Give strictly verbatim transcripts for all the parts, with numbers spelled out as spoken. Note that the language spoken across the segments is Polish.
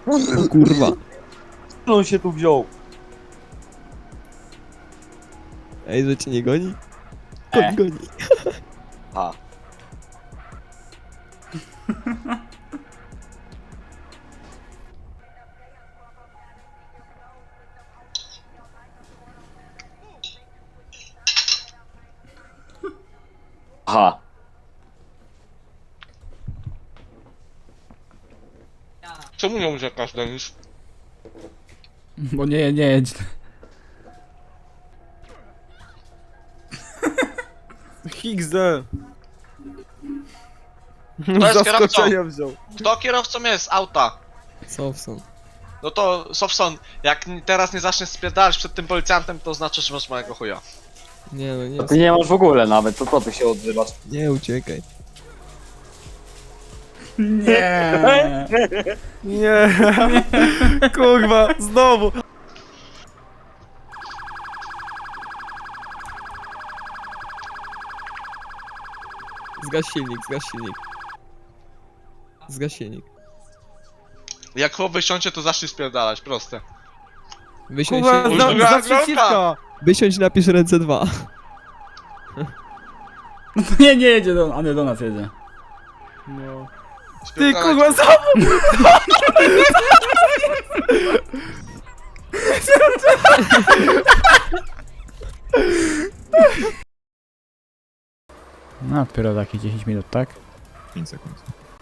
O kurwa. Co on się tu wziął? Ej, że cię nie goni? Kot E. goni. A. Aha. Czemu nie uciekasz, Denis? Bo nie, nie jedź. Higgsy. Kto jest kierowcą? Zaskoczenia wziął. Kto kierowcą jest auta? Sofson. No to, Sofson, jak n- teraz nie zaczniesz spierdalać przed tym policjantem, to znaczy, że masz mojego chuja. Nie no, nie, Ty nie masz w ogóle nawet, to co ty się odzywasz? nie uciekaj. Nie. Nie. Kurwa, znowu. Zgaś silnik, zgaś silnik. Zgaś silnik. Jak chłop wysiądzie, to zacznij spierdalać, proste. Wysiądź, Kurwa, się, za, Druga za kropka. przeciwka. wysiądź, napisz ręce dwa. Nie, nie jedzie do, a nie do nas jedzie. No. Ty Spierdalać. kurwa, za... No, dopiero takie dziesięć minut, tak? pięć sekund.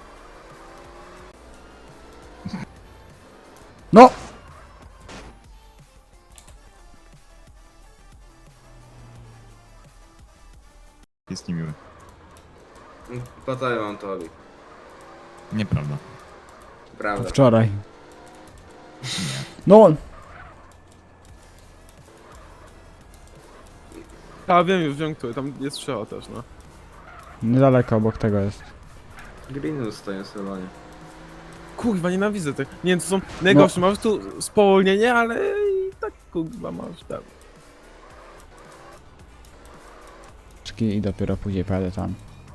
No! Jest niemiły. Po co ja mam to robić? Nieprawda. Prawda. Wczoraj. No! A wiem już, wiem który, tam jest strzała też, no. Niedaleko obok tego jest. Greenus stoją w salonie. Kurwa, nienawidzę tych. Nie wiem, to są najgorsze, masz tu spowolnienie, ale i tak kurwa masz tam. I dopiero później pojadę tam.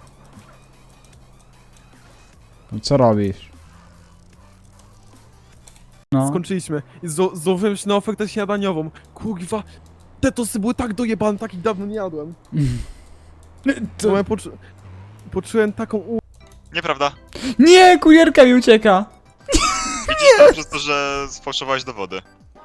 No co robisz? No. Skończyliśmy. I zo- złożyłem się na ofertę śniadaniową. Kurwa, te tosy były tak dojebane, takich dawno nie jadłem. To... Ja poczu- poczułem taką u... Nieprawda. Nie, kurierka mi ucieka! Widzisz to przez to, że sfałszowałeś dowody.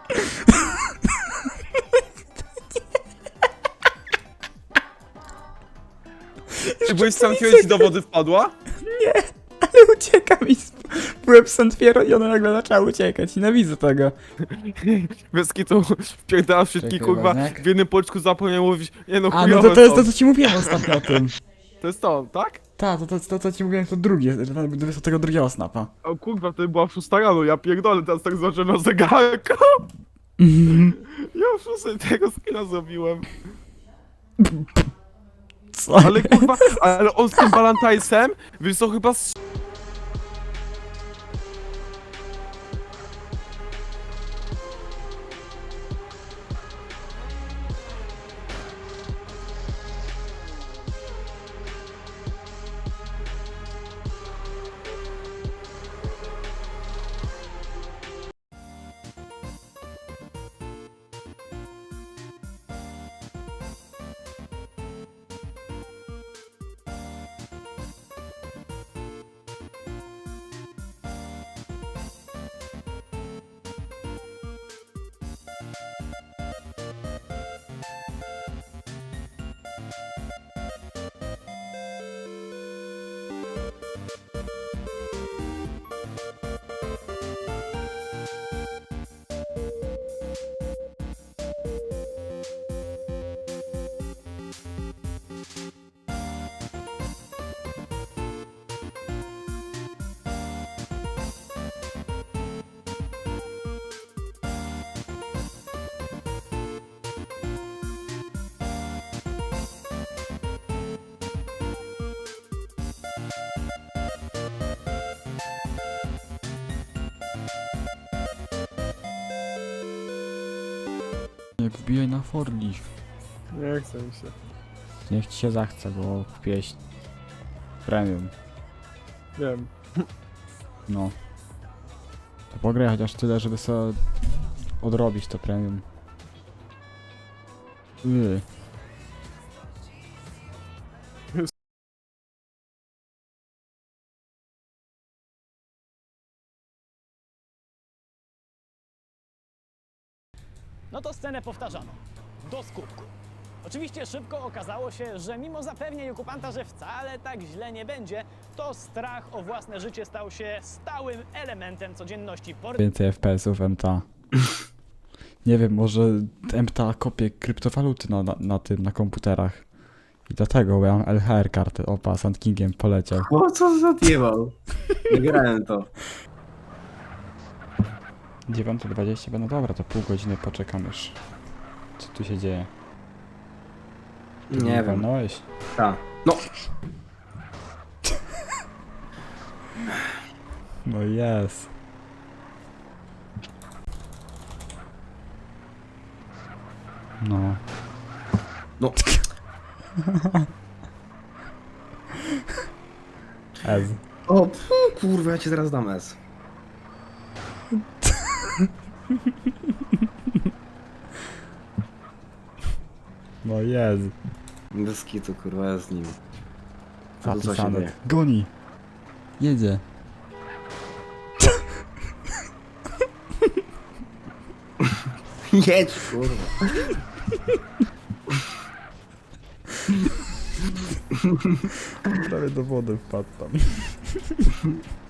Czy byłeś sam ci do wody wpadła? Ale ucieka mi. Byłem Santwiero i one nagle zaczęły uciekać. Nienawidzę tego. Bez kitu wpierdala wszystkich Czekaj, kurwa ważniak. w jednym policzku zapomniał mówić. Nie no, A, no chujowe to, to jest są. to, co ci mówiłem ostatnio o tym. To jest to, tak? Tak, to, to, to, co ci mówiłem, to drugie, do tego drugiego snapa. O kurwa, to była szósta rano, ja pierdolę, teraz tak zobaczyłem na zegarku. Ja już szóstej tego skina zrobiłem. Co? Ale kurwa, ale on z tym Balantajsem, wiesz co, chyba z... Nie wbijaj na forlift. Nie chcę mi się. Niech ci się zachce, bo kupiłeś premium. Wiem. No. To Pograj chociaż tyle, żeby sobie odrobić to premium. Yy. No to scenę powtarzano. Do skutku. Oczywiście szybko okazało się, że mimo zapewnień okupanta, że wcale tak źle nie będzie, to strach o własne życie stał się stałym elementem codzienności. Więcej F P S-ów M T A. Nie wiem, może M T A kopie kryptowaluty na, na, na tym, na komputerach. I dlatego, bo ja mam L H R kartę. Opa, Sand Kingiem poleciał. O, co za odjebał? Nie grałem to. dziewiąta dwadzieścia, no dobra, to pół godziny poczekam już. Co tu się dzieje? Nie wiem. Walnąłeś? Ta. No. No jest. No. No. Ez. O, pfu, kurwa, ja ci zaraz dam S. No jest. Bez kitu, kurwa, ja z nim. A tu co się Zapisane. dzieje? Goni. Jedzie. Jedź, kurwa. Prawie do wody wpadł tam.